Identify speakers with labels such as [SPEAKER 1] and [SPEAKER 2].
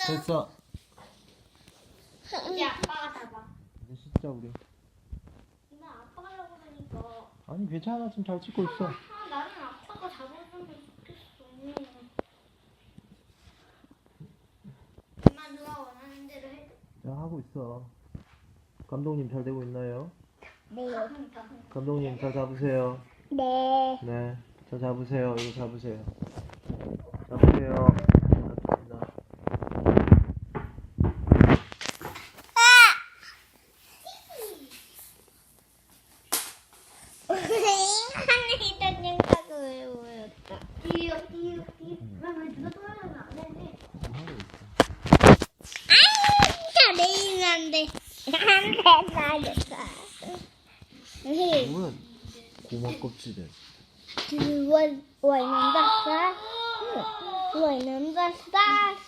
[SPEAKER 1] 됐어.
[SPEAKER 2] 이제 아빠가 잡아.
[SPEAKER 1] 이제 씻자 우리.
[SPEAKER 2] 나 아빠가 하려고 그러니까.
[SPEAKER 1] 아니 괜찮아, 지금 잘 찍고 있어.
[SPEAKER 2] 나는 아빠가 잡아주면 좋겠어. 엄마 누가 원하는 대로 해줘.
[SPEAKER 1] 자, 하고 있어. 감독님 잘 되고 있나요?
[SPEAKER 3] 네.
[SPEAKER 1] 감독님 잘 잡으세요.
[SPEAKER 3] 네.
[SPEAKER 1] 네, 잘 잡으세요. 이거 잡으세요. 잡으세요. 잡습니다.
[SPEAKER 3] 하늘이 던진다고 왜 보였다.
[SPEAKER 2] 뛰어. 왜 누가 떠나면 안 해?
[SPEAKER 1] 지금 하고 있어.
[SPEAKER 3] 진짜 내일은 안 돼. 안 돼, 나겠다.
[SPEAKER 1] 이건 고막 껍질에.
[SPEAKER 3] 원은 basah. 원은 basah.